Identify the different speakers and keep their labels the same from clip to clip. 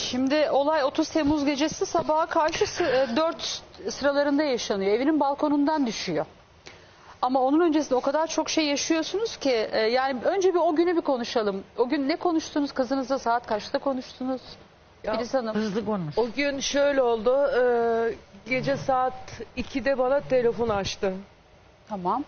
Speaker 1: Şimdi olay 30 Temmuz gecesi sabaha karşı 4 sıralarında yaşanıyor. Evinin balkonundan düşüyor. Ama onun öncesinde o kadar çok şey yaşıyorsunuz ki yani önce bir o günü bir konuşalım. O gün ne konuştunuz kızınızla, saat kaçta konuştunuz? Filiz Hanım.
Speaker 2: Hızlı konuş.
Speaker 3: O gün şöyle oldu. Gece saat 2'de bana telefon açtı.
Speaker 1: Tamam.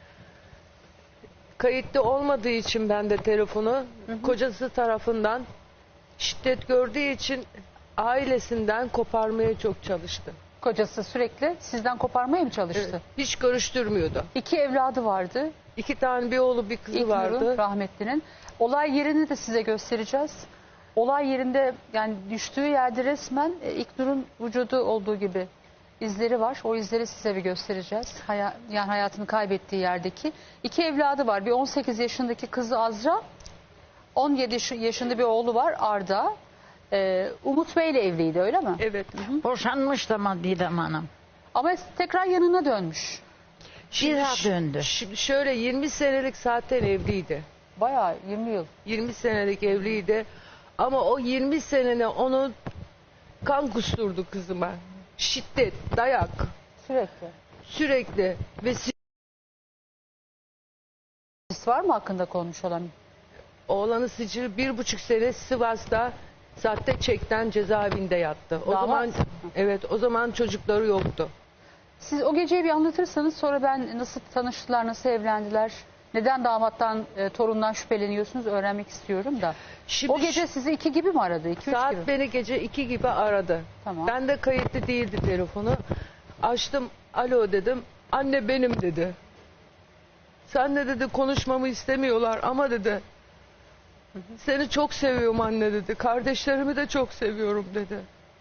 Speaker 3: Kayıtlı olmadığı için ben de telefonu kocası tarafından şiddet gördüğü için ailesinden koparmaya çok çalıştı.
Speaker 1: Kocası sürekli sizden koparmaya mı çalıştı?
Speaker 3: Hiç görüştürmüyordu.
Speaker 1: 2 evladı vardı.
Speaker 3: 2 tane bir oğlu bir kızı
Speaker 1: İlknur'un,
Speaker 3: vardı.
Speaker 1: rahmetlinin. Olay yerini de size göstereceğiz. Olay yerinde yani düştüğü yerde resmen İlknur'un vücudu olduğu gibi izleri var. O izleri size bir göstereceğiz. Yani hayatını kaybettiği yerdeki. 2 evladı var. Bir 18 yaşındaki kızı Azra, 17 yaşında bir oğlu var Arda. Umut Bey'le evliydi, öyle mi?
Speaker 3: Evet.
Speaker 2: Boşanmış da Didem Hanım.
Speaker 1: Ama tekrar yanına dönmüş.
Speaker 2: Bir daha döndü.
Speaker 3: Şimdi şöyle 20 senelik zaten evliydi.
Speaker 1: Bayağı 20 yıl.
Speaker 3: 20 senelik evliydi. Ama o 20 senene onu kan kusturdu kızıma. Şiddet, dayak
Speaker 1: Sürekli.
Speaker 3: sürekli ve
Speaker 1: Siz var mı hakkında konmuş olan?
Speaker 3: oğlanı sicil 1,5 sene Sivas'ta sahte çekten cezaevinde yattı. O
Speaker 1: Damat.
Speaker 3: zaman evet, o zaman çocukları yoktu.
Speaker 1: Siz o geceyi bir anlatırsanız sonra ben nasıl tanıştılar, nasıl evlendiler, neden damattan, torundan şüpheleniyorsunuz öğrenmek istiyorum da.
Speaker 3: Şimdi
Speaker 1: O gece sizi 2 gibi mi aradı? 2-3
Speaker 3: saat
Speaker 1: gibi.
Speaker 3: beni gece 2 gibi aradı.
Speaker 1: Tamam.
Speaker 3: Ben de kayıtlı değildi telefonu. Açtım, alo dedim. Anne benim dedi. Sen de dedi konuşmamı istemiyorlar ama dedi. Seni çok seviyorum anne dedi. Kardeşlerimi de çok seviyorum dedi.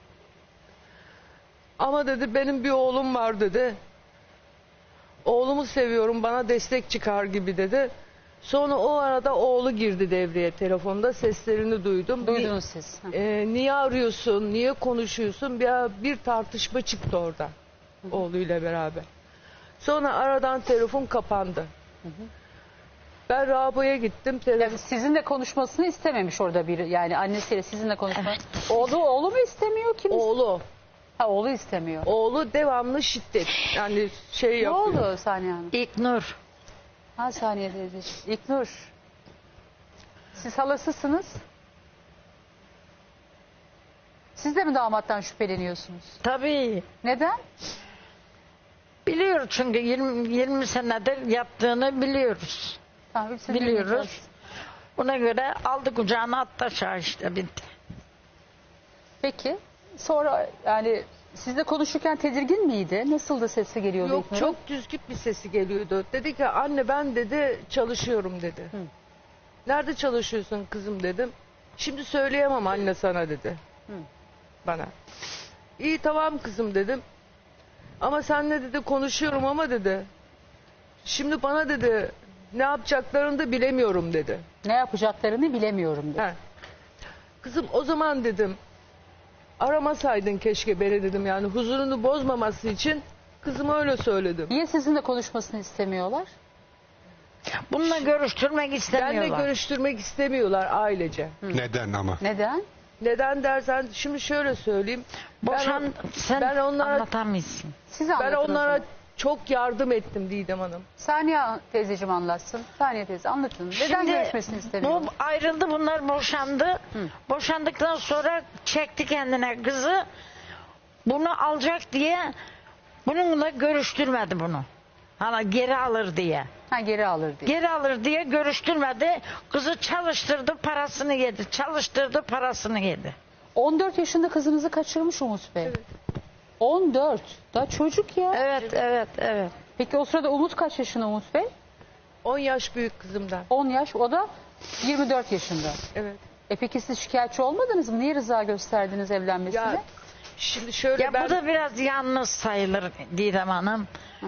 Speaker 3: Ama dedi benim bir oğlum var dedi. Oğlumu seviyorum, bana destek çıkar gibi dedi. Sonra o arada oğlu girdi devreye, telefonda seslerini duydum.
Speaker 1: Duydunuz siz.
Speaker 3: Niye arıyorsun, niye konuşuyorsun? Bir tartışma çıktı orada oğluyla beraber. Sonra aradan telefon kapandı. Ben Rabo'ya gittim.
Speaker 1: Yani sizinle konuşmasını istememiş orada biri. Yani annesiyle sizinle konuşma. Oğlu mu istemiyor, kim?
Speaker 3: Oğlu.
Speaker 1: Ha, oğlu istemiyor.
Speaker 3: Oğlu devamlı şiddet. Yani şey
Speaker 1: Ne
Speaker 3: yapıyor.
Speaker 1: oldu Saniye Hanım?
Speaker 2: İlknur.
Speaker 1: Ha, Saniye teyze. İlknur. Siz halasısınız. Siz de mi damattan şüpheleniyorsunuz?
Speaker 2: Tabii.
Speaker 1: Neden?
Speaker 2: Biliyoruz çünkü 20 senedir yaptığını biliyoruz.
Speaker 1: Tamam, hepsini
Speaker 2: Biliyoruz.
Speaker 1: dinleyeceğiz.
Speaker 2: Buna göre aldı kucağına attı aşağı işte bitti.
Speaker 1: Peki. Sonra yani sizle konuşurken tedirgin miydi? Nasıldı sesi geliyordu
Speaker 3: Yok,
Speaker 1: İlknur'un?
Speaker 3: çok düzgün bir sesi geliyordu. Dedi ki anne ben dedi çalışıyorum dedi. Nerede çalışıyorsun kızım dedim. Şimdi söyleyemem anne sana dedi. Bana. İyi tamam kızım dedim. Ama senle dedi konuşuyorum ama dedi. Şimdi bana dedi ne yapacaklarını da bilemiyorum dedi.
Speaker 1: Ne yapacaklarını bilemiyorum dedi.
Speaker 3: He. Kızım o zaman dedim aramasaydın keşke beni dedim, yani huzurunu bozmaması için kızıma öyle söyledim.
Speaker 1: Niye sizinle konuşmasını istemiyorlar?
Speaker 2: Bununla görüştürmek istemiyorlar.
Speaker 3: Benle görüştürmek istemiyorlar ailece.
Speaker 4: Neden ama?
Speaker 1: Neden?
Speaker 3: Neden dersen şimdi şöyle söyleyeyim.
Speaker 2: Sen
Speaker 3: ben onlara-
Speaker 2: anlatamazsın.
Speaker 1: Siz
Speaker 3: Ben
Speaker 1: anlatın o
Speaker 3: onlara
Speaker 1: zaman.
Speaker 3: çok yardım ettim Didem Hanım.
Speaker 1: Saniye teyzeciğim anlatsın. Saniye teyze anlatın. Neden
Speaker 2: Şimdi
Speaker 1: görüşmesini istemiyorlar?
Speaker 2: bu ayrıldı, bunlar boşandı. Boşandıktan sonra çekti kendine kızı. Bunu alacak diye bununla görüştürmedi bunu. Hani geri alır diye.
Speaker 1: Ha, geri alır diye.
Speaker 2: Geri alır diye görüştürmedi. Kızı çalıştırdı, parasını yedi. Çalıştırdı, parasını yedi.
Speaker 1: 14 yaşında kızınızı kaçırmış Umut Bey. 14. Daha çocuk ya.
Speaker 2: Evet.
Speaker 1: Peki o sırada Umut kaç yaşında Umut Bey?
Speaker 3: 10 yaş büyük kızımdan.
Speaker 1: 10 yaş. O da 24 yaşında.
Speaker 3: Evet.
Speaker 1: Peki siz şikayetçi olmadınız mı? Niye rıza gösterdiniz evlenmesine?
Speaker 3: Ya şimdi şöyle
Speaker 2: Ya bu da biraz yalnız sayılır Didem Hanım.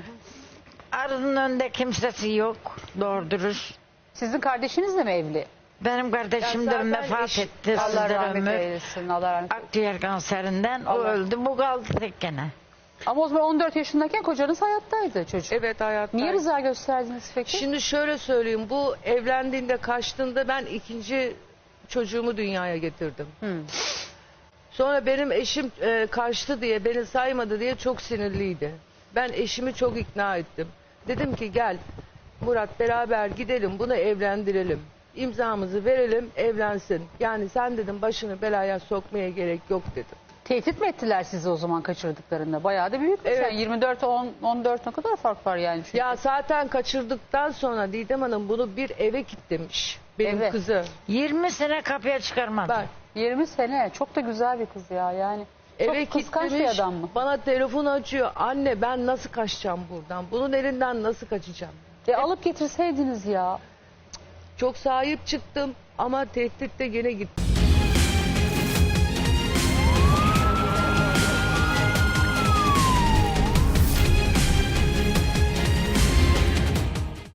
Speaker 2: Arının önünde kimsesi yok, doğru dürüst.
Speaker 1: Sizin kardeşiniz de mi evli?
Speaker 2: Benim kardeşim
Speaker 3: Ya
Speaker 2: de
Speaker 3: zaten
Speaker 2: vefat etti.
Speaker 1: Allah
Speaker 2: Sizlere
Speaker 1: rahmet
Speaker 2: ömür.
Speaker 1: eylesin. Allah rahmet eylesin.
Speaker 2: Akciğer kanserinden o
Speaker 1: Allah.
Speaker 2: öldü. Bu kaldı tek gene.
Speaker 1: Ama o zaman 14 yaşındayken kocanız hayattaydı çocuk.
Speaker 3: evet hayatta.
Speaker 1: Niye rıza gösterdiniz peki?
Speaker 3: Şimdi şöyle söyleyeyim, bu evlendiğinde kaçtığında ben ikinci çocuğumu dünyaya getirdim. Sonra benim eşim kaçtı diye, beni saymadı diye çok sinirliydi. Ben eşimi çok ikna ettim. Dedim ki gel Murat, beraber gidelim, bunu evlendirelim. İmzamızı verelim, evlensin. Yani sen dedim başını belaya sokmaya gerek yok dedim.
Speaker 1: Tehdit mi ettiler sizi o zaman kaçırdıklarında? Bayağı da büyükmüş.
Speaker 3: Evet.
Speaker 1: Yani 24 14 ne kadar fark var yani? Çünkü.
Speaker 3: Ya zaten kaçırdıktan sonra Didem Hanım bunu bir eve kilitlemiş. Benim
Speaker 1: Eve.
Speaker 3: kızı.
Speaker 2: 20 sene kapıya çıkarmadı.
Speaker 3: Bak
Speaker 1: 20 sene çok da güzel bir kız ya yani.
Speaker 3: eve
Speaker 1: Çok kıskanç bir
Speaker 3: kilitlemiş.
Speaker 1: adam mı?
Speaker 3: Bana telefon açıyor. Anne ben nasıl kaçacağım buradan? Bunun elinden nasıl kaçacağım?
Speaker 1: Alıp getirseydiniz ya.
Speaker 3: Çok sahip çıktım ama tehditte gene gitti.